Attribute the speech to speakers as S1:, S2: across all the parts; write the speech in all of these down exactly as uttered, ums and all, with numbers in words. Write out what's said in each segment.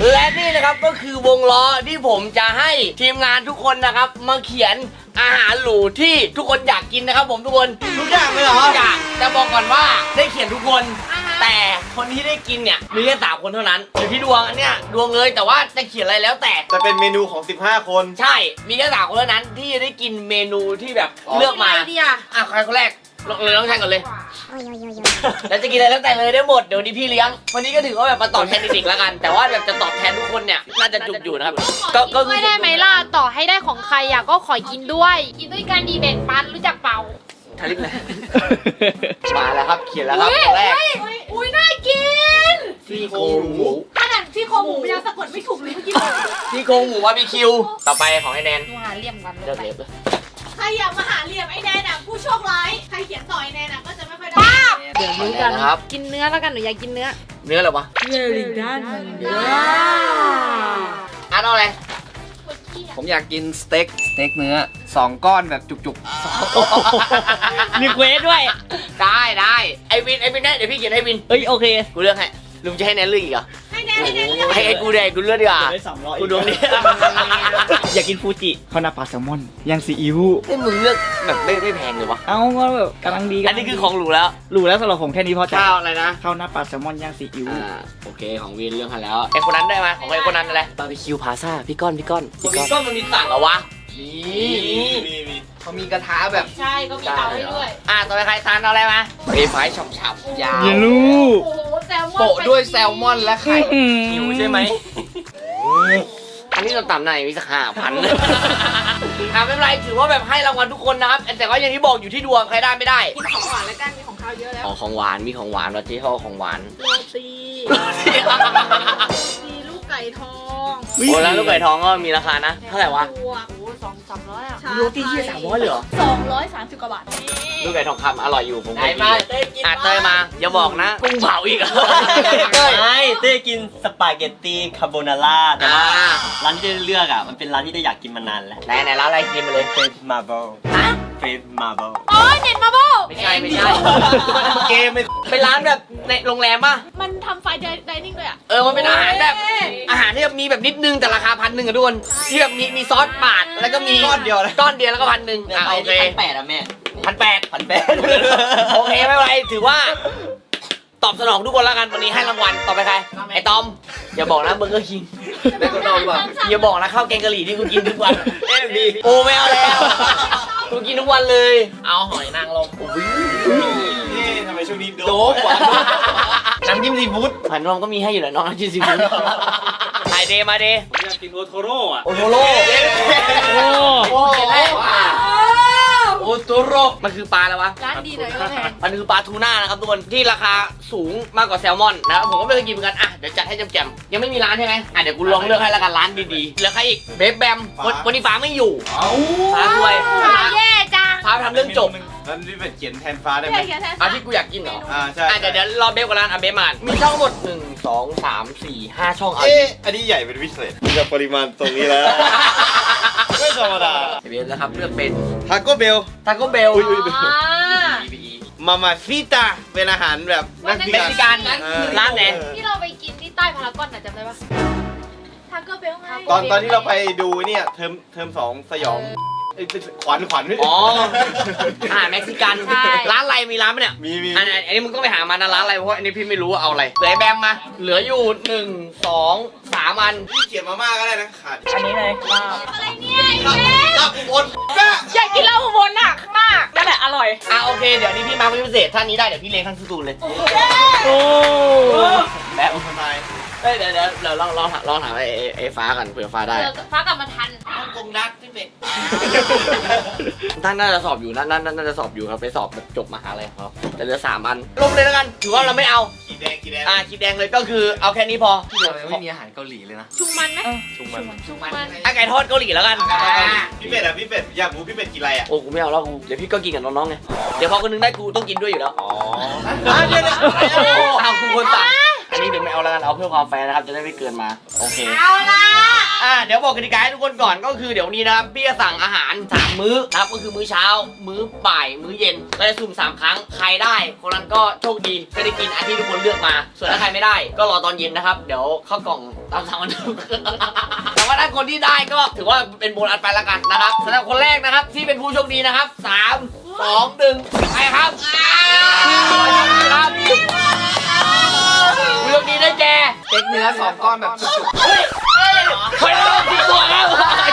S1: และนี่นะครับก็คือวงล้อที่ผมจะให้ทีมงานทุกคนนะครับมาเขียนอาหารหรูที่ทุกคนอยากกินนะครับผมทุกคนทุกอย่างเลยเหรอทุกอย่างแต่บอกก่อนว่าได้เขียนทุกคนแต่คนที่ได้กินเนี่ยมีแค่สามคนเท่านั้นอยู่ที่ดวงอันเนี้ยดวงเลยแต่ว่าจะเขียนอะไรแล้วแต่
S2: จะเป็นเมนูของสิบห้าคน
S1: ใช่มีแค่สามคนเท่านั้นที่ได้กินเมนูที่แบบเลือกมาอ่ะใครคนแรกเลยต้องใช้ก่อนเลยแล้วจะกินอะไรแล้วแต่เลยได้หมดเดี๋ยวนี้พี่เลี้ยงวันนี้ก็ถือว่าแบบมาตอบแทนเด็กๆแล้วกันแต่ว่าแบบจะตอบแทนทุกคนเนี่ยน่าจะจุกอยู่นะครับ
S3: ก็ก็ไม่ได้ไหมล่ะต่อให้ได้ของใครอ่ะก็ขอกินด้วยกินด้วยกันดีแบ่งปันรู้จักเปล่า
S1: ทาริปเลยมาแล้วครับเขียนแล้วครับตัวแรก
S3: อุ้ยน่ากิน
S1: ซี่โครงหมู
S3: ขนาดซี่โครงหมูยังสะกดไม่ถูกเลยเมื่อกี้
S1: ซี่โครงหมูบาร์บีคิวต่อไปของไอ้แนน
S3: หาเหลี่ยมกัน
S1: เลือกเล็บเลย
S4: ใครอยากมาหาเหลี่ยมไอ้แนนอ่ะผู้โชคร้ายใครเขียนต่อไอ้แนนอ่ะก็จะไม่ค่อยได้
S3: เดี๋ยวรู้กันครับกินเนื้อแล้วกันหนูอยากกินเนื้อ
S1: เนื้ออะไรวะ
S3: เนื้อลิงด้าน
S1: อ่ะเอาอะไร
S2: ผมอยากกินสเต็กสเต็กเนื้อสองก้อนแบบจุก
S1: ๆมีเควสด้วยได้ได้ไอวินไอวินได้เดี๋ยวพี่เขียนให้วินเอ้ยโอเคกูเลือกให้ลุงจะให้แนนเลือกอีกเหรอ
S4: ให้แนนให้แนนเลือก
S1: ให้ไอ้กูแดงกูเลือกดีกว่ากูดวงนี้
S5: อยากกินฟูจิข้าวหน้าปลาแซลมอนย่างซีอิ๊ว
S1: ไอ้มึงเลือกแบบไม่ไม่แพงเลยวะ
S5: เอาก็แบบกำลังดี
S1: อันนี้คือของหรูแล้ว
S5: หรูแล้วสำหรับผมแค่นี้พอใจ
S1: ข้าวอะไรนะ
S5: ข้าวหน้าปลาแซลมอนย่างซีอิ๊ว
S1: อ่าโอเคของวินเรื่องกันแล้วไอ้คนนั้นได้ไหมของไอ้คนนั้นอะไรบาร์บีคิวพาซ่าพี่ก้อนพี่ก้อนพี่ก้อนมันมีสั่งเหรอวะ
S2: นี่เขามีกระทะแบบ
S3: ใช่ก็มีเตาให้ด้วย
S1: อ่ะต่อไปใครทานเอาอะไรมาเฟรไฟฉ่ำๆยาว
S5: อย่าลูก
S2: โปะด้วยแซลมอนและไข่
S1: หิวใช่ไหมอันนี้เราต่ำหน่อยมีสักห้าพันอ่ะไม่เป็นไรถือว่าแบบให้รางวัลทุกคนนะครับแต่ก็อย่างที่บอกอยู่ที่ดวงใครได้ไม่ได้
S4: กินของหวานแล้วกันมีของข้าวเยอะแล้ว
S1: อ๋อของหวานมีของหวานเราที่เขาของหวาน
S4: โรตีมีลูกไก่ทอง
S1: โอ้แล้วลูกไก่ทองก็มีราคานะเท่าไหร่วะ
S4: โอ้สองสามร้อยอ่ะ
S1: โรตีที่สามร้อยเหรอ
S4: สองร้อยสามสิบกว่าบาท
S1: ลูกไก่ทองคำอร่อยอยู่ผมได้มาเต้กินอ่ะเต้มาอย่าบอกนะกุ้งเผาอีก
S5: เต้ไม่เต้กินสปาเกตตี้คาโบนาร่าแต่ว่าร้านที่เลือกอ่ะมันเป็นร้านที่ได้อยากกินมานานแล้ว
S1: ไหนไหนร้านอะไรกินมาเลย
S5: เฟรมาเบิลเฟรมาเบิล
S3: อ๋อเน็ตมาโบ
S1: ไม่ใช่ไม่ใช่เกมเป็นร้านแบบในโรงแรมป่ะ
S4: มันทำไฟไดนิ่งด้วยอ่ะ
S1: เออมันเป็นอาหารแบบอาหารที่มีแบบนิดนึงแต่ราคาพันหนึ่งอะทุกคนที่แบบมีมีซอสปาดแล้วก็มี
S2: ก้อนเดียว
S1: ก้อนเดียวแล้วก็พันหนึ่งอ่ะโอเค
S5: พันแปดอะแม่
S1: พันแปด
S5: พันแปด
S1: โอเคไม่เป็นไรถือว่าตอบสนองทุกคนแล้วกันวันนี้ให้รางวัลต่อไปใครไอ้ตอมอย่าบอกนะเบอร์เกอร์คิง
S2: ได้ก็ต้องว่า
S1: อย่าบอกนะข้าวแกงกะหรี่ที่กูกินทุกวันเอ็มบีโอ้ไม่เอาแล้วกูกินทุกวันเลยเอาหอยนางรม
S2: นี่ทำไมช่วงนี้โด
S1: บกว่าน้ำจิ้มซีฟู้ดหอยนางรมก็มีให้อยู่แล้วน้องน้ำจิ้มซีฟู้ดถ่ายเดมาเด
S2: ผมอยากกินโอโทโร่อะ
S1: โอโทโร่โอ้โหเห็นแล้วโอโทโร่มันคือปลาแล้ววะ
S4: ร้านดีเลยก็แพง
S1: มันคือปลาทูน่านะครับทุกคนที่ราคาสูงมากกว่าแซลมอนนะผมก็ไม่เคยกินเหมือนกันอ่ะเดี๋ยวจัดให้แจ่มๆยังไม่มีร้านใช่ไหมอ่ะเดี๋ยวกูลองเลือกให้ละกันร้านดีๆเหลือใครอีกเบฟแบมวันนี้ฟ้าไม่อยู่ฟ้าสวย
S3: แย่จัง
S1: ฟ้าทำเรื่องจบ
S2: แล้วนี่เป็นเขียนแทนฟ้าได้ไหม
S1: อ่ะที่กูอยากกินเหรอ
S2: อ่าใช่
S1: อ่ะเดี๋ยวเดี๋ยวรอเบฟกับร้านอ่ะเบฟมามีช่องหมดหนึ่งสองสามสี่ห้าช่อง
S2: เอ๊ะอันนี้ใหญ่เป็นพิเศษจะปริมาณตรงนี้แล้วไม่ธรรมดา
S1: เบฟนะครับเลือกเป็น
S2: ทาโก้เบล
S1: ทาโก้เบล
S2: มามาฟิตาเป็นอาหารแบบ
S1: เม็กซิกันร้านไหน
S3: ที่เราไปกินที่ใต้พารากอนน่ะจำได้ปะ
S4: ทาโก้เบลไง
S2: ตอนตอนที่เราไปดูเนี่ยเทอมเทอมสองสยองขวัญขวัญ
S1: อ๋ออาหารเม็กซิกันร้านอะไรมีร้านไหมเนี่ย
S2: มีมี
S1: อันอันนี้มึงต้องไปหามานะร้านอะไรเพราะอันนี้พี่ไม่รู้ว่าเอาอะไรเหลือแบมมาเหลืออยู่หนึ่งสองสามอัน
S2: พี่เขียนมาม่าก็ได้นะขาด
S5: อันนี้เลยลาบ
S4: อะไรเนี่ยไอ้เจ๊
S2: ลาบอุบล
S3: อยากกินลาบอุบลอ่ะข้างหน้านั่นแหละอร่อย
S1: อ่ะโอเคเดี๋ยวนี้พี่มาเป็นพิเศษท่านนี้ได้เดี๋ยวพี่เลี้ยงทั้งสตูเลย
S5: โอ้
S1: แบบทำไมเฮ้ยเดี๋ยวเดี๋ยวเราลองลองลองถามไอ้ไอ้ฟ้ากันเผื่อฟ้าได้
S3: ฟ้ากลับมาทัน
S1: ฮ่องกงนักพี่เป็ดท่านน่าจะสอบอยู่นั่นนั่นน่าจะสอบอยู่ครับไปสอบแบบจบมหาลัยครับแต่เหลือสามอันลงเลยแล้วกันถือว่าเราไม่เอา
S2: ขีดแดงขีดแดง
S1: อ่าขีดแดงเลยก็คือเอาแค่นี้พอ
S2: เราไม่มีอาหารเกาหลีเลยนะ
S3: ชุงมันไหม
S2: ชุงมัน
S3: ชุงมัน
S1: อ่ะไก่ทอดเกาหลีแล้วกัน
S2: พี่เป็ดอ่ะพี่เป็ดอยากรู้พี่เป็ดกินอะไรอ่ะ
S1: โอ้กูไม่เอาแล้วกูเดี๋ยวพี่ก็กินกับน้องๆไงเดี๋ยวพอคนนึงได้กูต้องกินด้วยอยู่แล้ว
S2: อ๋อ
S1: เดี๋ยวเดี๋ยวเอากูคนสั่งอันนี้เดี๋ยวไม่เอาแล้วกันเอาเพื่อความแฟร์นะครับจะได้ไม่เกินมาโอเค
S3: เอาละ
S1: อ่าเดี๋ยวบอกกติกาให้ทุกคนก่อนก็คือเดี๋ยวนี้นะครับพี่จะสั่งอาหารสามมื้อนะครับก็คือมื้อเช้ามื้อบ่ายมื้อเย็นเราจะสุ่มสามครั้งใครได้คนนั้นก็โชคดีก็ได้กินอันที่ทุกคนเลือกมาส่วนถ้าใครไม่ได้ก็รอตอนเย็นนะครับเดี๋ยวเข้ากล่องตามสั่งมันถูกแต่ว่าถ้าคนที่ได้ก็ถือว่าเป็นโบนัสไปแล้วกันนะครับสำหรับคนแรกนะครับที่เป็นผู้โชคดีนะครับสามสองหนึ่งไปครับครับผู้โชคดีได้แก่
S6: เต็กเนื้อสองก้อนแบบจุก
S1: เฮ้ยเฮ้ยหอยนางรมสิบตัวครับ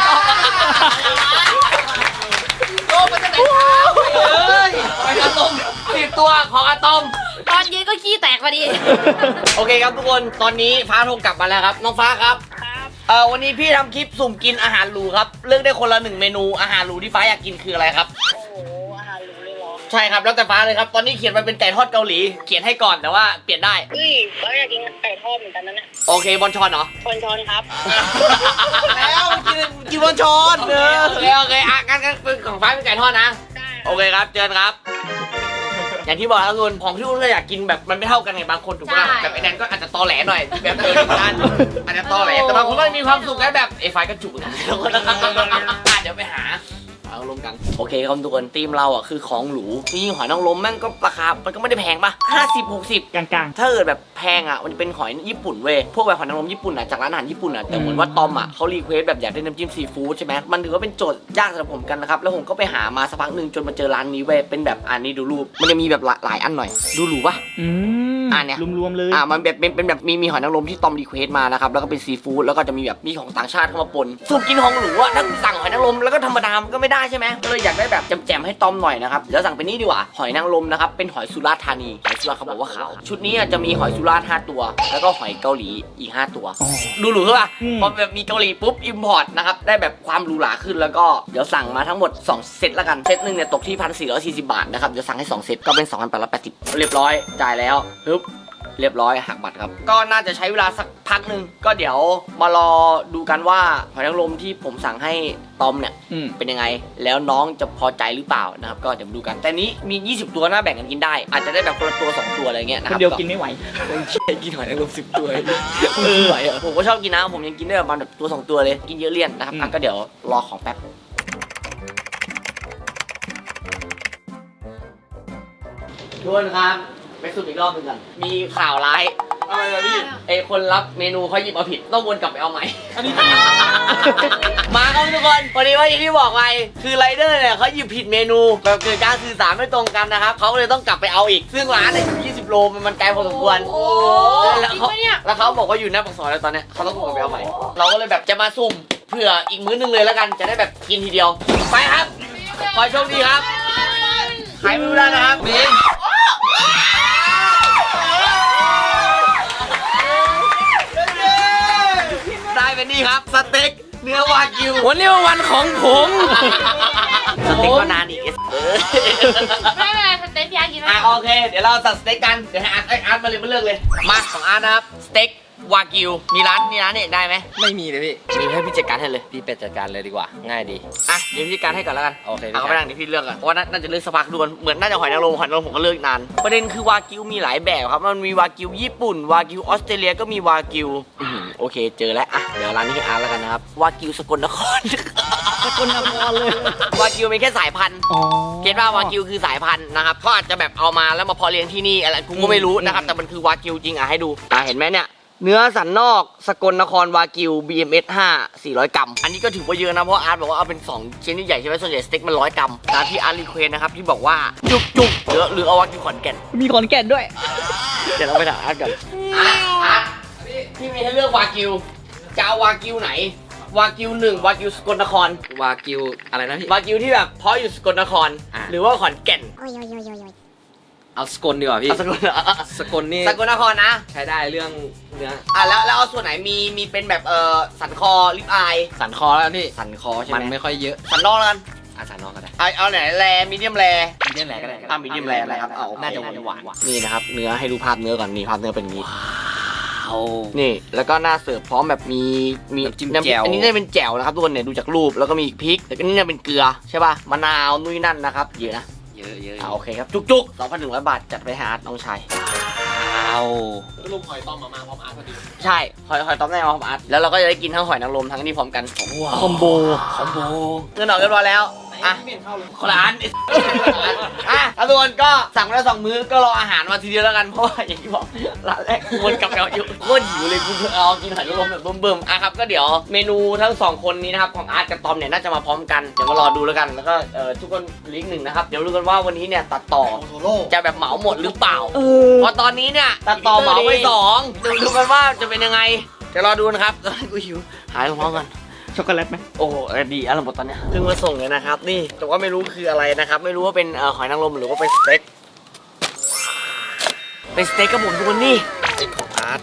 S1: โอ้มันจะไหนครับเฮ้ยหอยนางรมสิบตัวของอะตอม
S3: ตอนยืนก็ขี้แตกพอดี
S1: โอเคครับทุกคนตอนนี้ฟ้าโทรกลับมาแล้วครับน้องฟ้าครับเอ่อวันนี้พี่ทำคลิปสุ่มกินอาหารหรูครับเลือกได้คนละหนึ่งเมนูอาหารหรูที่ฟ้าอยากกินคืออะไรครับโอ้โหอาหารหรูเลยเหรอใช่ครับแล้วแต่ฟ้าเลยครับตอนนี้เขียนมาเป็นไก่ทอดเกาหลีเขียนให้ก่อนแต่ว่าเปลี่ยนได้
S7: เฮ้ยเราอยากกินไก่ทอดเหมือนกันนะเนี่ย
S1: โอเคบอลชอนเหรอ
S7: คนช้อนครับ
S1: แล้วกินกินบอลชอนเออโอเคโอเคอ่ะงั้นงั้นเป็นของฟ้าเป็นไก่ทอดนะ
S7: ได้
S1: โอเคครับเจอกันครับ อย่างที่บอกแล้วทุกคนของที่คุณก็อยากกินแบบมันไม่เท่ากันไงบางคนถูกไหม
S3: ใช่
S1: แบบไอ้แนนก็อาจจะตอแหลหน่อยแบบเออด้านอาจจะตอแหลแต่บางคนก็มีความสุขได้แบบไอ้ไฟก็จุกนะทุกคนอ่ะเดี๋ยวไปหาเอาลมกันโอเคครับทุกคนทีมเราอ่ะคือของหรูจริงๆหอยนางรมแม่งก็ราคามันก็ไม่ได้แพงป่ะห้าสิบหกสิบ
S6: กลาง
S1: ถ้าเกิดแบบแพงอ่ะมันจะเป็นหอยญี่ปุ่นเว้ยพวกแบบหอยนางรมญี่ปุ่นอ่ะจากร้านอาหารญี่ปุ่นอ่ะแต่เหมือนว่าตอมอ่ะเขารีเควสแบบอยากได้น้ำจิ้มซีฟู้ดใช่ไหมมันถือว่าเป็นโจทย์ยากสำหรับผมกันนะครับแล้วผมก็ไปหามาสักพักหนึ่งจนมาเจอร้านนี้เว้ยเป็นแบบอันนี้ดูรูปมันจะมีแบบหลายอันหน่อยดูหรูป่ะ
S6: ๆอืม
S1: อ่ะเนี่ย
S6: รวมๆเลย
S1: อ่ามันแบบเป็นเป็นแบบมีมีหอยนางรมที่ตอมรีเควสมานะครับแล้วก็เป็นซีฟู้ดแล้วก็จะมีแบบมีของต่างชาติเข้ามาปนสุ่มกินของหรูอ่ะถ้าสั่งหอยนางรมแล้วก็ธรรมดามันก็ไม่ได้ใช่ไหมก็เลยอยากได้แบบแจ่มๆให้ตอมหน่อยนะครับเดี๋ยวสั่งเป็นนี่ดีกว่าหอยนางรมนะครับเป็นหอยสุราษฎร์ธานีหอยสุราษฎร์เขาบอกว่าขาวชุดนี้อ่ะจะมีหอยสุราษฎร์ห้าตัว แล้วก็หอยเกาหลีอีกห้าตัว
S6: อ๋อ
S1: ดูหรูใช่ป่ะ
S6: อืม
S1: พอแบบมีเกาหลีปุ๊บอิมพอร์ตนะครับได้แบบความหรูหราขึ้นแล้วก็เดี๋ยวสั่งมาทั้งหมดสองเซตละกันเซตหนึ่งเนี่ยตกที่พันสี่ร้อยสี่สิบบาทนะครับเดี๋ยวสั่งให้สองเซตก็เป็นสองพันแปดร้อยแปดสิบเรียบร้อยจ่ายแล้วปึ๊บ เรียบร้อยหักบัตรครับก็น่าจะใช้เวลาสักพักหนึ่งก็เดี๋ยวมารอดูกันว่าหอยนางรมที่ผมสั่งให้ตอมเนี่ย
S6: อืม
S1: เป็นยังไงแล้วน้องจะพอใจหรือเปล่านะครับก็เดี๋ยวมาดูกันแต่นี้มียี่สิบตัวน่าแบ่งกันกินได้อาจจะได้แบบคนละตัวสองตัวอะไรเงี้ยนะ
S6: ค
S1: คน รับ
S6: เดียวกินไม่ไหว
S1: กินหอยนางรมสิบตัวเออไหวเหรอผมก็ชอบกินนะผมยังกินได้ประมาณแบบตัวสองตัวเลยกินเยอะเลี่ยนนะครับอ่ะก็เดี๋ยวรอของแป๊บทุกคนครับไปสุ่มอีกรอบหนึงกันมีข่าวร้าย
S2: อะไรอะพี่
S1: ไอคนรับเมนูเขาหยิบเอาผิดต้องวนกลับไปเอาใหม่ มาครับทุกคนวันนี้ว่าอย่างที่บอกไปคือไรเดอร์เนี่ยเขาหยิบผิดเมนูแบบเกิดการสื่อสารไม่ตรงกันนะครับเขาเลยต้องกลับไปเอาอีกซึ่งร้านเนี่ยอยู่ยี่สิบโลมันมันไกลพอสมควร
S3: โอ้
S1: แล้วเขา
S3: จริงปะเนี่ย
S1: แล้วเขาบอกว่าอยู่หน้าปากซอยแล้วตอนเนี้ยเขาต้องวนกลับไปเอาใหม่เราก็เลยแบบจะมาสุ่มเผื่ออีกมื้อนึงเลยแล้วกันจะได้แบบกินทีเดียวไปครับขอโชคดีครับใครไม่รู้ได้นะครับมินได้เป็นนี่ครับสเต็กเนื้อวากิววันนี้วันของผมสเต็กก็นานอีกเออ
S3: ไม่เป็นไรสเต็กยากินไหม
S1: อ่ะโอเคเดี๋ยวเราสั่งสเต็กกันเดี๋ยวให้อาร์ตไอยอาร์ตมาเลยมาเลือกเลยมาของอาร์ตนะครับสเต็กวากิวมีร้านมีร้านเนี่ยได้ไหม
S6: ไม่มีเลยพี่
S1: มีให้พี่จัดการให้เลย
S6: พี่เป็ดจัดการเลยดีกว่า ง่ายดี
S1: อ่ะเดี๋ยวพี่จัดการให้ก่อนแล้วกัน
S6: โอเคพี่
S1: เอาไปนั่งเดี๋ยวพี่เลือกก่อนเพราะว่าน่าจะเลือกสักพักด่วนเหมือนน่าจะหอยนางรมหอยนางรมผมก็เลือกนานประเด็นคือวากิวมีหลายแบบครับมันมีวากิวญี่ปุ่นวากิวออสเตรเลียก็มีวากิวอื้อหือโอเคเจอแล้วอ่ะเดี๋ยวร้านนี้ให้อาร์ตแล้วกันนะครับวากิวสกลนคร
S6: สกลนครเลยว
S1: ากิวเป็นแค่สายพันธุ์
S6: อ๋อ
S1: เก็ตว่าวากิวคือสายพันธุ์นะครับเขาอาจจะแบบเอามาแล้วมาเพาะเลี้ยงที่นี่อะไรกูก็ไม่รู้นะครับ
S6: อืม
S1: แต่มันคือวากิวจริงอ่ะให้ดูอ่ะเห็นไหมเนี่ยเนื้อสันนอกสกลนครวากิว บี เอ็ม เอส ห้า สี่ร้อย กรัมอันนี้ก็ถือว่าเยอะนะเพราะอาร์ตบอกว่าเอาเป็นสองชิ้นใหญ่ใช่ไหมส่วนใหญ่สเต็กมันร้อยกรัมตามที่อาร์ตรีเควสนะครับที่บอกว่าจุกจุกหรือหรือเอาวากิวขอนแก่น
S6: มีขอนแก่นด้วย
S1: เดี๋ยวเราไปถามอาร์ตกันอาร์ตอาร์ตพี่มีให้เลือกวากิวจะเอาวากิวไหนวากิวหนึ่งวากิวสกลนคร
S6: วากิวอะไรนะพี่
S1: วากิวที่แบบเพาะอยู่สกลนคร
S6: อ่ะ
S1: หรือว่าขอนแก่น
S6: เอาสกลดีกว่าพี่
S1: เอาสกล
S6: สกลนี่
S1: สกลนครนะ
S6: ใช้ได้เรื่องเนื้อ
S1: อ่ะแล้วแล้วเอาส่วนไหนมีมีเป็นแบบเออสันคอลิปอาย
S6: สันคอแล้วพี่
S1: สันคอใช่ไหม
S6: มันไม่ค่อยเยอะ
S1: สันนอกแล้วกัน
S6: อาสันนอกก็ได้
S1: เอาเอาไหนแรมีเดียมแร
S6: มีเดียมแรก็ได้
S1: อ่ะมีเดียมแรนะครับเอา
S6: น่าจะหวานหวาน
S1: นี่นะครับเนื้อให้ดูภาพเนื้อก่อนนี่ภาพเนื้อเป็นอย่างนี้
S6: เอา
S1: นี่แล้วก็หน้าเสิร์ฟพร้อมแบบมีมี
S6: น้ำจิ้มแจ่ว
S1: อันนี้น่าจะเป็นแจ่วนะครับทุกคนเนี่ยดูจากรูปแล้วก็มีพริกแล้วก็นี่น่าเป็นเกลือใช่ป่ะมะนาวนุ่ยนั่นนะครับเยอะนะ
S6: เยอะเยอะ
S1: อ่าโอเคครับจุกๆ สองพันหนึ่งร้อย บาทจัดไปหาอาร์ตน้องชาย
S6: เอา
S2: ลูกหอยต้มมามาพร้อมอาร์ตพอดี
S1: ใช่หอยหอยต้มแน่มาพร้อมอาร์ตแล้วเราก็จะได้กินทั้งหอยนางรมทั้งนี้พร้อมกันว้าว
S6: คอมโบ
S1: คอมโบเงินออกเรียบร้อยแล้วอ่ะคนละอันอ่ะแล้วทุกคนก็สั่งมาแล้วสองมื้อก็รออาหารมาทีเดียวแล้วกันเพราะว่าอย่างที่บอกร้านแรกวนกลับแล้วอยู่โคตรหิวเลยกูเอากินหอยนางรมแบบเบิ่มๆอ่ะครับก็เดี๋ยวเมนูทั้งสองคนนี้นะครับของอาร์ตกับตอมเนี่ยน่าจะมาพร้อมกันเดี๋ยวมารอดูแล้วกันแล้วก็เอ่อทุกคนลิงก์หนึ่งนะครับเดี๋ยวดูกันว่าวันนี้เนี่ยตัดต่อจะแบบเหมาหมดหรือเปล่าเพราะตอนนี้เนี่ยตัดต่อเหมาไปสองดูดูกันว่าจะเป็นยังไงเดี๋ยวรอดูนะครับตอนนี้กูหิวหายท้องกัน
S6: ช็อกโกแลตไหม
S1: โอ้โหดีอร่อยหมดตอนเนี้ยเพิ่งมาส่งเลยนะครับนี่แต่ว่าไม่รู้คืออะไรนะครับไม่รู้ว่าเป็นเอ่อหอยนางรมหรือว่าเป็นสเต็กเป็นสเต็กกับผมทุกคนนี่สเต็กของอาร์ต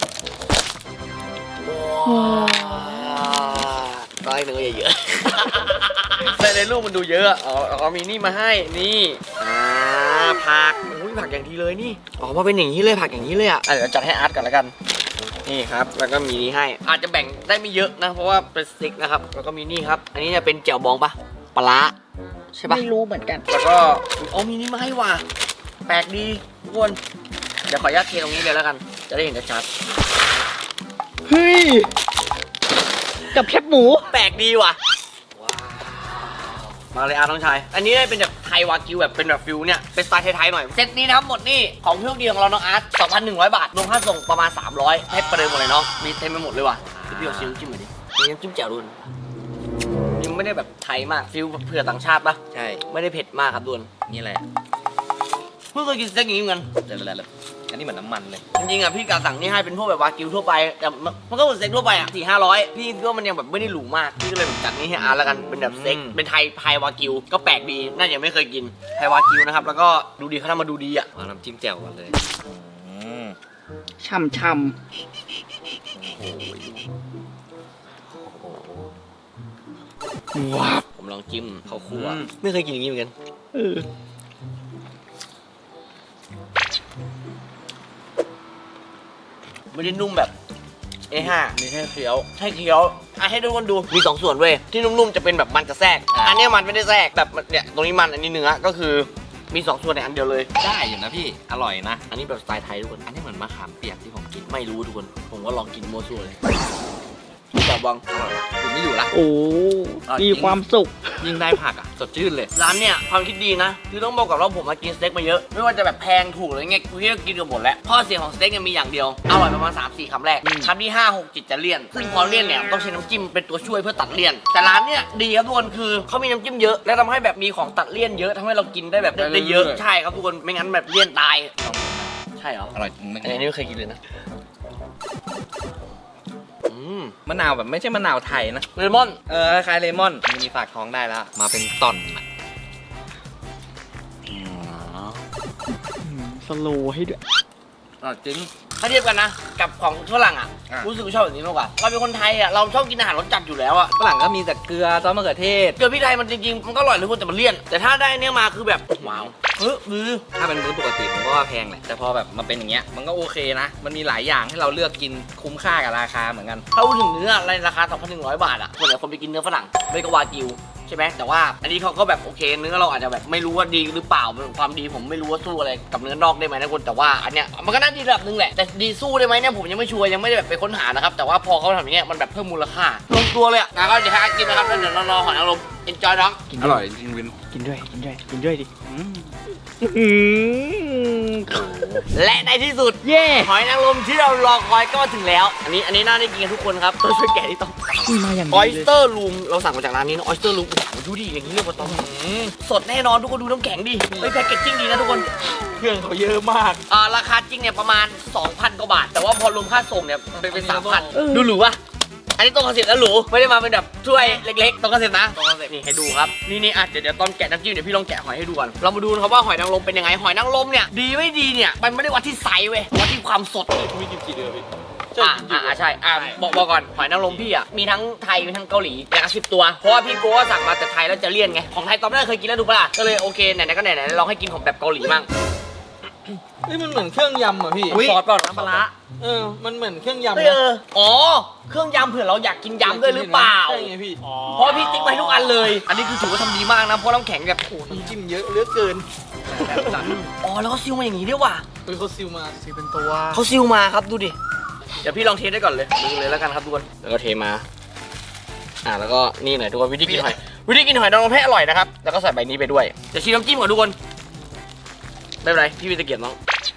S1: ว้าวได้เนื้อเยอะๆแต่ในรูปมันดูเยอะอ๋ออ๋อมีนี่มาให้นี่อ่าผักอุ้ยผักอย่างดีเลยนี่อ๋อมาเป็นอย่างนี้เลยผักอย่างนี้เลยอ่ะอ่ะเดี๋ยวจัดให้อาร์ตก่อนแล้วกันนี่ครับแล้วก็มีนี่ให้อาจจะแบ่งได้ไม่เยอะนะเพราะว่าเป็นสเต็กนะครับแล้วก็มีนี่ครับอันนี้จะเป็นแจ่วบองปะปลาร้าใช่ปะ
S6: ไม่รู้เหมือนกัน
S1: แล้วก็อ๋อมีนี่มาให้ว่ะแปลกดีทุกคนเดี๋ยวขออนุญาตเทตรงนี้เลยแล้วกันจะได้เห็นชัด
S6: เฮ้ย กับแคบหมู
S1: แปลกดีว่ะว้าวมาเลยอาน้องชายอันนี้ได้เป็นแบบไทยวากิวแบบเป็นแบบฟิวเนี่ยเป็นสไตล์ไทยๆหน่อยเซตนี้นะครับหมดนี่ของเพื่อนดีของเราน้องอาร์ต สองพันหนึ่งร้อย บาทรวมค่าส่งประมาณสามร้อยให้ประเดิมหมดเลยเนาะมีเต็มไปหมดเลยว่ะพี่เอาซิมจิ้มหน่อยดิมีน้ำจิ้มแจ่วด้วยยังไม่ได้แบบไทยมากฟิวเผื่อต่างชาติปะ
S6: ใช่
S1: ไม่ได้เผ็ดมากครับดุน
S6: นี่แหละ
S1: เพิ่งเคยกินสเต็กอย่างนี้เหมือนกัน
S6: เดี๋ยวๆอันนี้เหมือนน้ำมันเลย
S1: จริงๆอ่ะพี่กาสั่งนี่ให้เป็นพวกแบบวากิวทั่วไปแต่มันมันก็เหมือนสเต็กทั่วไปอ่ะสี่ห้าร้อยพี่คิดว่ามันยังแบบไม่ได้หรูมากพี่ก็เลยแบบจัดนี่ให้อาร์ตแล้วกันเป็นแบบสเต็กเป็นไทยไทยวากิวก็แปลกดีน่าจะยังไม่เคยกินไทยวากิวนะครับแล้วก็ดูดีเขาทำมาดูดีอ่ะ
S6: เอาน้ำจิ้มแจ่วก่อนเลยช่ำช่
S1: ว้าวผมลองจิ้มข้าวคั่วไม่เคยกินอย่างนี้เหมือนกัน
S6: ำเออ
S1: ไม่ได้นุ่มแบบ เอ ห้า มีแค่เคี้ยวให้เคี้ยวอ่ะให้ทุกคนดูมีสองส่วนเว้ยที่นุ่มๆจะเป็นแบบมันจะแทรกอันเนี้ยมันไม่ได้แทรกแบบเนี่ยตรงนี้มันอันนี้เนื้อก็คือมีสองส่วนในอันเดียวเลย
S6: ได้อยู่นะพี่ อร่อยนะ
S1: อันนี้แบบสไตล์ไทยทุกคน
S6: อันนี้เหมือนมะขามเปียกที่ผมกิน
S1: ไม่รู้ทุกคน ผมก็ลองกินโมซัวเลยจับบังอร่อย
S6: คุณไม่อยู่ละ
S8: โอ้มีความสุข
S6: ยิ่งได้ผักอ่ะ สดชื่นเลย
S1: ร้านเนี่ยความคิดดีนะ คือต้องบอกก่อนว่าผมมากินสเต็กมาเยอะ ไม่ว่าจะแบบแพงถูกหรือไงกูก็กินกันหมดแล้วข้อเสียของสเต็กเนี่ยมีอย่างเดียว อร่อยประมาณ สามสี่ คำแรก คำที่ ห้า หก เจ็ดจะเลี่ยน ซึ่งพอเลี่ยนเนี่ยต้องใช้น้ำจิ้มเป็นตัวช่วยเพื่อตัดเลี่ยน แต่ร้านเนี่ยดีครับทุกคนคือเขามีน้ำจิ้มเยอะ และทำให้แบบมีของตัดเลี่ยนเยอะทำให้เรากินได้แบบได้ได้เยอะ ใช่ครับทุกคน ไม่งั้นแบบเลี่ยนตาย ใช่เหรอ
S6: อร่อยจริงไหม
S1: อันนี้ไม่เคยกินเลยนะ อืม
S6: มะนาวแบบไม่ใช่มะนาวไทยนะ
S1: เลมอน
S6: เออคล้ายเลมอนมีฝากท้องได้แล้ว มาเป็นต่อนอะ
S8: สโลว์ให้ด้วย
S6: อร่อยจริง
S1: ถ้าเทียบกันนะ กับของฝรั่งอ่ะ
S6: อ่ะ
S1: รู้สึกว่าชอบแบบนี้มากกว่าเราเป็นคนไทยอ่ะเราชอบกินอาหารรสจัดอยู่แล้วอ่ะ
S6: ฝรั่งก็มีแต่เกลือซอสมะเขือเทศ
S1: เกลือพริกไทยมันจริงๆมันก็อร่อยเลยคุณแต่มันเลี่ยน แต่ถ้าได้เนี่ยมาคือแบบว้าวเฮ้ยมือ
S6: ถ้าเป็นมื้อปกติผมก็ว่าแพงแหละ แต่พอแบบมาเป็นอย่างเงี้ย มันก็โอเคนะ มันมีหลายอย่างให้เราเลือกกินคุ้มค่ากับราคาเหมือนกัน
S1: ถ้าพูดถึงเนื้ออะไรราคา สองพันหนึ่งร้อย บาทอ่ะส่วนใหญ่คนไปกินเนื้อฝรั่งไม่ก็วากิวใช่ไหมแต่ว่าอันนี้เขาก็แบบโอเคเนื้อเราอาจจะแบบไม่รู้ว่าดีหรือเปล่าความดีผมไม่รู้ว่าสู้อะไรกับเนื้อนอกได้ไหมนะคุณแต่ว่าอันเนี้ยมันก็น่าดีระดับหนึงแหละแต่ดีสู้ได้ไหมเนี่ยผมยังไม่ชัวร์ยังไม่ได้แบบไปค้นหานะครับแต่ว่าพอเขาทำอย่างเงี้ยมันแบบเพิ่มมูลค่าลงตัวเลยอ่ะงั้นก็เดี๋ยวให้อาร์ตกินนะครับแล้วเดี๋ยวรอหอยนางรม enjoy น้อง
S6: อร่อยจริงวิน
S8: กินด้วย กินด้วย กินด้วยดิ
S1: และในที่สุด
S8: เย่
S1: หอยนางรมที่เรารอคอยก็มาถึงแล้ว อันนี้อันนี้น่าได้กินกันทุกคนครับต้องช่วยแกะที่ต้อง
S8: มาอย่าง
S1: อ
S8: ดี
S1: อยส
S8: เลย
S1: เตอร์ลูมเราสั่งมาจากร้านนี้นะออยสเตอร์ลูมดูดิอย่างนี้เรียกว่าต้องสดแน่นอนทุกคนดูน้ำแข็งดิเฮ้ยแพ็กเกจจิ้งดีนะทุกคน
S8: เครื่องเขาเยอะมาก
S1: อ่าราคาจริงเนี่ยประมาณ สองพัน กว่าบาท แต่ว่าพอรวมค่าส่งเนี่ยเป็นเป็น สามพัน
S8: เออ
S1: ดูหรูปะอันนี้ตรงคอนเซ็ปต์แล้วหรูไม่ได้มาเป็นแบบถ้วยเล็กๆตรงคอนเซ็ปต์นะตรงคอนเซ็ปต์นี่ให้ดูครับนี่นี่อ่ะเดี๋ยวเดี๋ยวตอนแกะน้ำจิ้มเดี๋ยวพี่ลองแกะหอยให้ดูก่อนเรามาดูนะครับว่าหอยนางรมเป็นยังไงหอยนางรมเนี่ยดีไม่ดีเนี่ยมันไม่ได้วัดที่ไซส์เว้ยวัดที่ความสด
S8: มีกี่กี่เดือนพี่
S1: อ่าอ่าใช่อ่าบอกบอกก่อนหอยนางรมพี่อ่ะมีทั้งไทยมีทั้งเกาหลีอย่างละสิบตัวเพราะว่าพี่โก้สั่งมาแต่ไทยแล้วจะเลี่ยนไงของไทยตอนแรกเคยกินแล้วดูปะล่ะก็เลยโอเคไหนๆก็ไหนๆลองให้กินของแบบเกาหลีมั่ง
S8: นี่มันเหมือนเครื่องยำอ่ะพี่
S1: ซอสก่อนน้ำปลาร้า
S8: เออ มันเหมือนเครื่องยำ
S1: เอ
S8: นะ
S1: ออ๋อเครื่องยำเผื่อเราอยากกินยำด้วยหรือเปล่า
S8: ใช่ไงพี่
S1: เพราะพี่ติ๊กไปทุกอันเลย อันนี้คือถือว่าทำดีมากนะเพราะน้ำแข็งแบบโอ้โห
S8: น้ำจิ้มเยอะเหลือเกิน
S1: อ๋อแล้วก็ซิลมาอย่างนี้ด้วยว่ะ
S8: เออเขาซิลมาซิลเป็นตัว
S1: เขาซิลมาครับดูดิเดี๋ยวพี่ลองเทสได้ก่อนเลยดูเลยแล้วกันครับทุกคนแล้วก็เทมาอ่าแล้วก็นี่หน่อยทุกคนวิธีกินหอยวิธีกินหอยนางรมให้อร่อยนะครับแล้วก็ใส่ใบนี้ไปด้วยจะชิมน้ำจิ้มก่อนทุกคนไม่เป็นไรพี่มีตะเกียบน้อง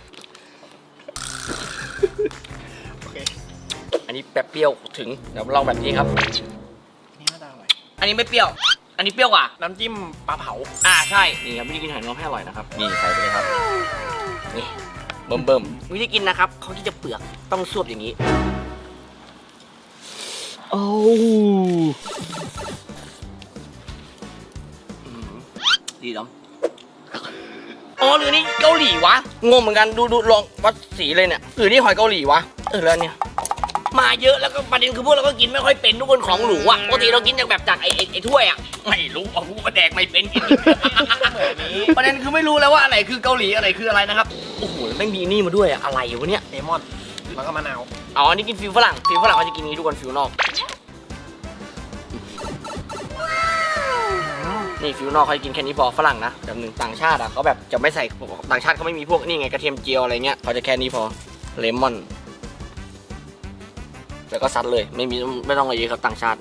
S1: อันนี้แบบเปรี้ยวถึงเดี๋ยวลองแบบนี้ครับอันนี้ไม่เปรี้ยวอันนี้เปรี้ยวกว่าน้ำจิ้มปลาเผาอ่าใช่นี่ครับวิธีกินหอยนางรมให้อร่อยนะครับนี่ใส่ไปเลยครับนี่เบิ่มเบิ่มวิธีกินนะครับเขาที่จะเปลือกต้องซวบอย่างนี้โอ้ดีจังอ๋อหรือนี่เกาหลีวะงงเหมือนกันดูดูลองวัดสีเลยเนี่ยหรือนี่หอยเกาหลีวะเออแล้วเนี่ยมาเยอะแล้วก็ประเด็นคือพวกเราก็กินไม่ค่อยเป็นทุกคนของหรูอ่ะปกติเรากินจากแบบจากไอ้ไอ้ไอ้ถ้วยอ่ะไม่รู้เอาผู้มาแดกไม่เป็นกินประเด็นคือไม่รู้แล้วว่าอะไรคือเกาหลีอะไรคืออะไรนะครับโอ้โหแม่งมีนี่มาด้วยอะอะไรวะเนี่ยเลมอนแล้วก็มะนาวอ๋ออันนี้กินฟิวฝรั่งฟิวฝรั่งเขาจะกินนี้ทุกคนฟิวนอกนี่ฟิวนอกเขาจะกินแค่นี้พอฝรั่งนะแบบหนึ่งต่างชาติอ่ะเขาแบบจะไม่ใส่ต่างชาติเขาไม่มีพวกนี่ไงกระเทียมเจียวอะไรเงี้ยเขาจะแค่นี้พอเลมอนแล้วก็ซัดเลยไม่มีไม่ต้องอะไรเยอะครับต่างชาติ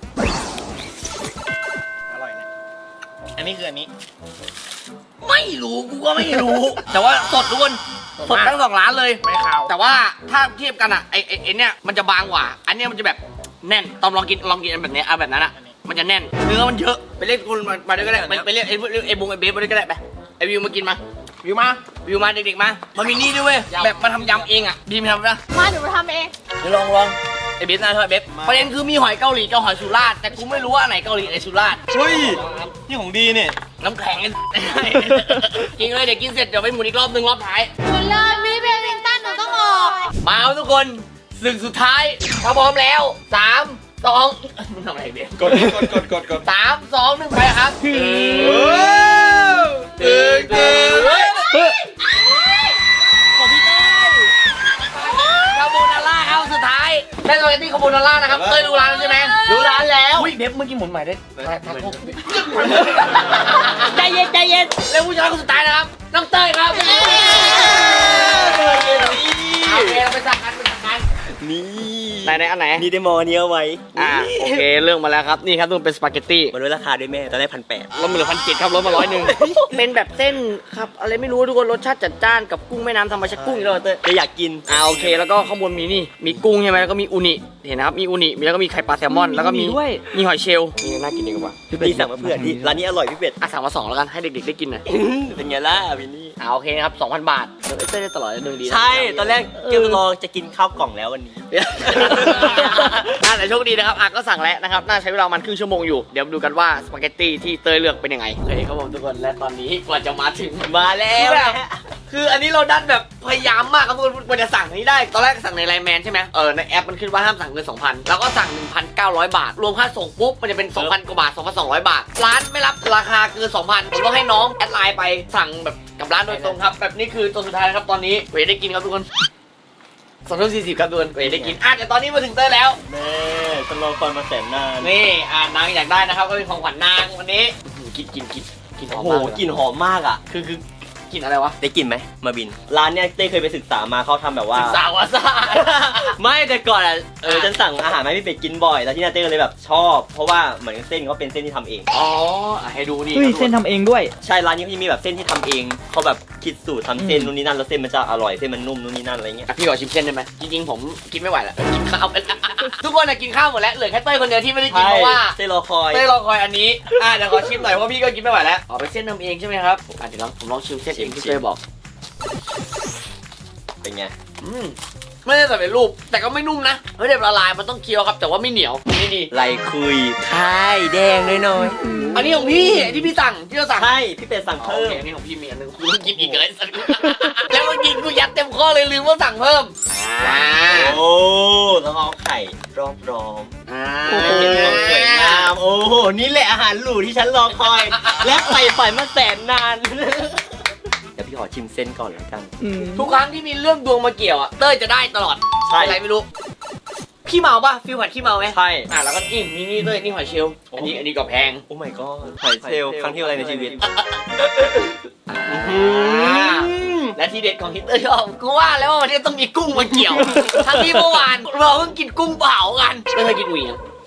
S1: อร่อยนะอันนี้คืออันนี้ไม่รู้กูก็ไม่รู้ แต่ว่าสดทุกคนสดทั้งสองร้านเลยไม่ขาวแต่ว่าถ้าเทียบกันอ่ะไอไอไอเนี้ยมันจะบางกว่าอันเนี้ยมันจะแบบแน่นตอนลองกินลองกินแบบเนี้ยเอาแบบนั้นอ่ะมันจะแน่นเนื้อมันเยอะไปเรียกคุณมามาด้วยก็ได้ไปเรียกไอ้ไอ้บุงไอ้เบฟมาด้วยก็ได้ไปไอ้วิวมากินมาวิวมาวิวมาเด็กๆมามันมีนี่ด้วยเว้ยแบบมาทำยำเองอ่ะดีมั้ยทำนะ
S3: มาเดี๋ยวมาทำเอง
S1: เดี๋ยวลองลองไอ้เบฟนะเธอเบฟประเด็นคือมีหอยเกาหลีกับหอยสุราษฎร์แต่กูไม่รู้ว่าอันไหนเกาหลีอันไหนสุราษฎร์
S8: เฮ้ยนี่ของดีเนี่ย
S1: น้ำแข็งกินเลยเดี๋ยวกินเสร็จเดี๋ยวไปหมุนอีกรอบหนึ่งรอบท้าย
S3: หนูเลยมีเบบิงตันหนูต้องออก
S1: มาเอาทุกคนศึกสุดท้ายถ้าพร้อมแล้วสามสองมึงทำอะไรเบฟ
S2: กดกดกดกดกด
S1: สามสองหนึ่งไปครับเออ
S2: ตึงตึง
S1: ของพี่เต้คาโบนาร่าครับสุดท้ายได้สปาเกตตี้คาโบนาร่านะครับเต้ยรู้ร้านแล้วใช่ไหมรู้ร้านแล้วอุ้ยเบฟเมื่อกี้หมุนใหม่ได้ใจเย็นใจเย็นแล้วผู้ชายคนสุดท้ายนะครับน้องเต้ยครับโอเคเราไปสั่งกันไปสั่งกัน
S5: นี่
S1: ไหนไหนอันไหน
S5: นี่ได้มอเนี้ยไว้
S1: อ่าโอเคเรื่องมาแล้วครับนี่ครับทุกคนเป็นสปาเกตตี้
S5: มาด้วยราคาด้วยแม่ตอนแรกพันแปด
S1: ลดมาเหลือพันเจ็ดครับลดมาร้อยหนึ่งเป็นแบบเส้นครับอะไรไม่รู้ทุกคนรสชาติจัดจ้านกับกุ้งแม่น้ำธรรมชาติกุ้งอีกแล้วเต้ย
S5: จะอยากกิน
S1: อ่าโอเคแล้วก็ข้างบนมีนี่มีกุ้งใช่ไหมแล้วก็มีอูนิเห็นนะครับมีอูนิมีแล้วก็มีไข่ปลาแซลมอนแล้วก็มีมีหอยเชลล์นี่น่ากินดีกว่า
S5: พี่สั่งมาเพื่อนที่ร้านนี้อร่อยพี่เป็ด
S1: อ่ะสั่งมาสองแล้วกันให้เด็กๆได้กินหน่อย
S5: เป็นไงล่ะวินนี่
S1: อ่าโอเคครับสองพันบาทเดี๋ยวเต้ยได้ตลอดเลยหนึ่งดีนะ
S5: ใช่ตอนแรกเกมรอจะกินข้าวกล่องแล้ววันนี้
S1: น่าแต่โชคดีนะครับอ่ะก็สั่งแล้วนะครับน่าใช้เวลามันครึ่งชั่วโมงอยู่เดี๋ยวมาดูกันว่าสปาเกตตี้ที่เต้ยเลือกเป็นยังไงโอเคครับผมทุกคนและตอนนี้กว่าจะมาถึง
S5: มาแล้ว
S1: แบบคืออันนี้เราดันแบบพยายามมากครับทุกคนกว่าจะสั่งนี้ได้ตอนแรกสั่งในไลน์แมนใช่ไหมเออในแอปมันขึ้นว่าห้ามสั่งเกิน สองพัน แล้วก็สั่ง หนึ่งพันเก้าร้อย บาทรวมค่าส่งปุ๊บมันจะเป็น สองพัน กว่าบาท สองพันสองร้อย บาทร้านไม่รับราคาเกิน สองพัน ผมต้องให้น้องแอดไลน์ไปสั่งแบบกับร้านโดยตรงครับแบบนี้คือตัวสุดท้ายนะครับตอนนี้เวได้กินครับทุกคนสองทุ่มสี่สิบครับทุกคนเวได้กินอ่ะแต่ตอนนี้มาถึงเต้ยแล้ว
S5: แม่ฉันรอคอยมาแสนนาน
S1: นี่อ่านางอยากได้นะครับก็เป็นของขวัญนางวันนี้กินกินกินกินหอ
S5: โอ้
S1: ม
S5: โห
S1: มากเลย
S5: กลิ่นหอมมากอ่ะ
S1: คือคือกินอะไรวะ
S5: ได้กลิ่นไหมมาบิน ร้านเนี้ยเต้เคยไปศึกษามาเขาทำแบบว่า
S1: ศึกษาวาซา
S5: ไม่แต่ก่อนอ่ะเออฉันสั่งอาหารมาให้พี่เป็ดกินบ่อยแล้วที่นาเต้ก็เลยแบบชอบ เพราะว่าเหมือนเส้นเขาเป็นเส้นที่ทำเอง
S1: อ๋ออ่ะให้ดูนี่
S9: เฮ้ยเส้นทำเองด้วย
S5: ใช่ร้านนี้เขาจะมีแบบเส้นที่ทำเองเขาแบบคิดสูตรทำเส้นนู่นนี่นั่นแล้วเส้นมันจะอร่อยเส้นมันนุ่มนู่นนี่นั่นอะไรเงี้ย
S1: อ่ะพี่ขอชิมเส้นได้ไหมจริงๆผมกินไม่ไหวแล้วกินข้าวไปแล้วทุกคนอะกินข้าวหมดแล้วเหลือแค่เต้ยคนเดียวที่ไม่ได้กินเพราะว่า
S5: เส้นรอคอย
S1: เต้ยรอคอยอันนี้อ่ะเดี๋ยวขอชิมหน่อยเพราะพี่ก็กินไม่ไหวแล้วอ๋อเป็นเส้นทำเองใช่ไหมครับอ่ะเดี๋ยวลองผมลองชิมเส้นเองที่เต้ยบอก
S5: เป็นไง
S1: อืมไม่ได้ใส่เป็นรูปแต่ก็ไม่นุ่มนะเฮ้ยเดี๋ยวละลายมันต้องเคี้ยวครับแต่ว่าไม่เหนียวนี่ดี
S5: ไรคุยคายแดงน้อย
S1: อันนี้ของพี่ที่พี่สั่งที่เราสั่ง
S5: ๆใช่พี่เป็ดสั่ง
S1: โอ
S5: เพิ่ม
S1: เคอันนี้ของพี่มีอันนึงกูต้องกินอีกเลยสัตว์แล้วเมื่อกี้กูยัดเต็มข้อเลยลืมว่าสั่งเพิ่มอ่า
S5: โอ้แล้วเอาไข่รอบรอม
S1: อ่า
S5: โอ้โหสวยงามโอ้โหนี่แหละอาหารหรูที่ฉันรอคอย และใฝ่ฝันมาแสนนานเดี๋ยวพี่ขอชิมเส้นก่อนแล้วกัน
S1: ทุกครั้งที่มีเรื่องดวงมาเกี่ยวอ่ะเต้ยจะได้ตลอด
S5: ใช่
S1: อะไรไม่รู้ขี้เมาป่ะฟิลผัดขี้เมาไหม
S5: ใช่
S1: อ่ะแล้วก็นี่นี่นี่เต้ยนี่หอยเชลล์อันนี้อันนี้ก็แพง
S5: โอ้ my god หอยเชลล์ครั้งที่อะไรในชีวิต
S1: อ่าและที่เด็ดของฮิตเตอร์ชอบกูว่าแล้วว่าวันนี้ต้องมีกุ้งมาเกี่ยว ทั้งที่เมื่อวานเราเพิ่งกินกุ้งเผากันเต้ยเคยกินอุ๋ยยัง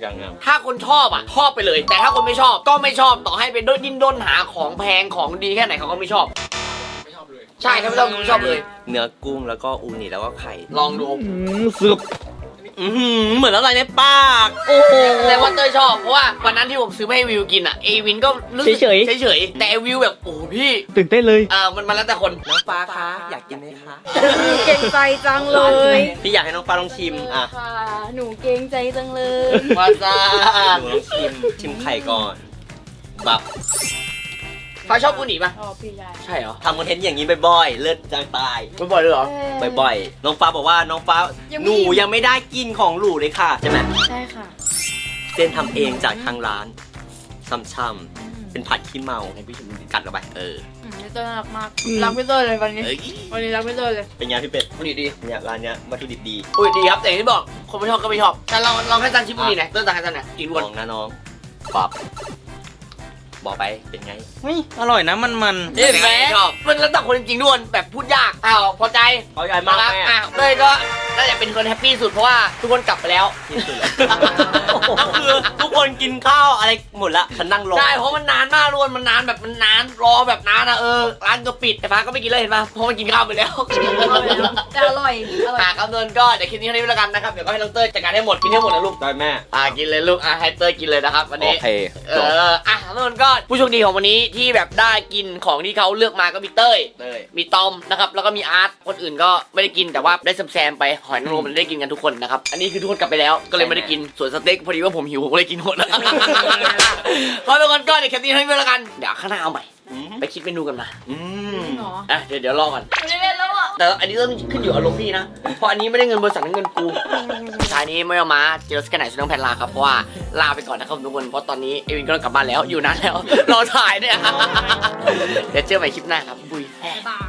S5: ยังยัง
S1: ถ้าคนชอบอ่ะชอบไปเลย แต่ถ้าคนไม่ชอบก็ไม่ชอบต่อให้เป็นดิ้นด้นหาของแพงของดีแค่ไหนเขาก็ไม่ชอบไม่ชอบเลยใช่ถ้าไม่ชอบไม่ชอบเลย
S5: เนื้อกุ้งแล้วก็อูนิแล้วก็ไข่
S1: ลองดู
S5: สึบอือหือเหมือนอะไรในปาก
S1: โอ้โหแต่ว่าเต้ยชอบเพราะว่าวันนั้นที่ผมซื้อมาให้วิวกินอ่ะเอวินก็รู้สึก
S5: เฉย
S1: เฉยๆแต่ไอ้วิวแบบโอ้โหพี่
S5: ตื่นเต้นเลย
S1: เออมันมันแล้วแต่คน
S5: น้องฟ้าคะอยากกินไหมคะ
S9: เก่งใจจังเลย
S5: พี่อยากให้น้องฟ้าลองชิมอ่ะ
S9: ค่ะ หนูเก่งใจจังเลย
S1: วาซา
S5: หนูลองชิมชิมไข่ก่อนแบบ
S1: ฟ้าชอบอูนิป่ะ
S9: อ๋อพี่ชาย
S1: ใช่เหรอ
S5: ทำคอนเทนต์อย่างนี้บ่อยๆเลิศจังตาย
S1: ไม่บ่อยเลยเหรอ
S5: บ่อยๆน้องฟ้าบอกว่าน้องฟ้า
S9: ยังไม่
S5: หนูยังไม่ได้กินของหรูเลยค่ะใช่ไหม
S9: ใช่ค่ะ
S5: เส้นทำเองจากทางร้านช่ำๆเป็นผัดขี้เมาให้พี่ชมกัดเข้าไปเออ
S9: อืมพี่เต้ยน่ารักมาก รักพี่เต้ยเลยวันนี้
S5: เอ้ย
S9: วันนี้รักพี่เต้ยเลย
S5: เป็นไงพี่เป็ด
S1: อูนิดี
S5: เนี่ยร้านเนี้ยวัตถุดิบดี
S1: อุ้ยดีครับแต่อย่างที่บอกคนไม่ชอบก็ไม่ชอบแต่ลองลองให้ซันชิมอูนิหน่อยเต้ยสั่งให้ซันหน่อยกิน
S5: ล
S1: ด้วน
S5: องนะน้องปอบบอกไปเป็นไง
S6: เฮ้ยอร่อยนะมันมัน
S1: เห็นไหมชอบมันแล้วแต่คนจริงๆด้วยแบบพูดยากอ้าวพอใจ
S5: เขาใหญ่มาก
S1: ครับ
S5: แม่
S1: อ้าวเต้ยก็น่าจะเป็นคนแฮปปี้สุดเพราะว่าทุกคนกลับไปแล้ว
S5: ที่สุดแล้วก็คือทุกคนกินข้าวอะไรหมดละฉันนั่งรอ
S1: ใช่เพราะมันนานมากล้วนมันนานแบบมันนานรอแบบนานอะเออร้านก็ปิดแต่ฟ้าก็ไม่กินเลยเห็นปะเพราะมันกินข้าวไปแล้ว
S9: แต่อร่อย อร่อย
S1: อ่ะครับเดินก็เดี๋ยวคลิปนี้เท่านี้แล้วกันนะครับเดี๋ยวก็ให้น้องเต้ยจัดการให้หมดกินให้หมดนะลูก
S5: ได้แม่
S1: อ่ะกินเลยลูกอ่ะให้เต้ยกินเลยนะครับวัน
S5: โอ
S1: นี้
S5: เค
S1: เอออ่ะทุกคนก็ผู้โชคดีของวันนี้ที่แบบได้กินของที่เขาเลือกมาก็มีเต้ย
S5: เต้ย
S1: มีตอมนะครับแล้วก็มีอาร์ตคนอื่นก็ไม่ได้กินแต่ว่าได้แซมๆไปหอยนางรมมันได้กินกันทุกคนนะครับอันนี้คือทุกคนกลับไปแล้วก็เลยไม่ได้กินส่วนสเต็กพอดีว่าผมหิวผมก็เลยกินหมด ขอทุกคนก็เดี๋ยวแคปนี้ให้ด้วยแล้วกันเดี๋ยวข้างหน้าเอาใหม่
S5: อืม
S1: ไปคิดเมนูกันมา
S5: อืม
S9: หรอ
S1: อ่ะเดี๋ยวเดี๋ยวรอก่อน
S4: ไม่ได้เล่นแล้วอ่ะ
S1: แต่อันนี้ต้องขึ้นอยู่อารมณ์พี่นะเพราะอันนี้ไม่ได้เงินบริษัทนั่นเงินกูท้ายนี้ไม่เอามาเจอสกันไหนสุดต้องแผ่นลาครับเพราะว่าลาไปก่อนนะครับทุกคนเพราะตอนนี้เอวินก็ต้องกลับบ้านแล้วอยู่นานแล้ว รอถ่ายเนี่ยเดี๋ยวเจอใหม่คลิปหน้าครับบุย
S9: บาย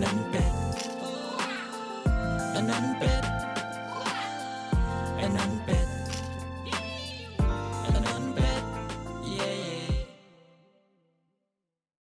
S10: อันนั้นเป็ด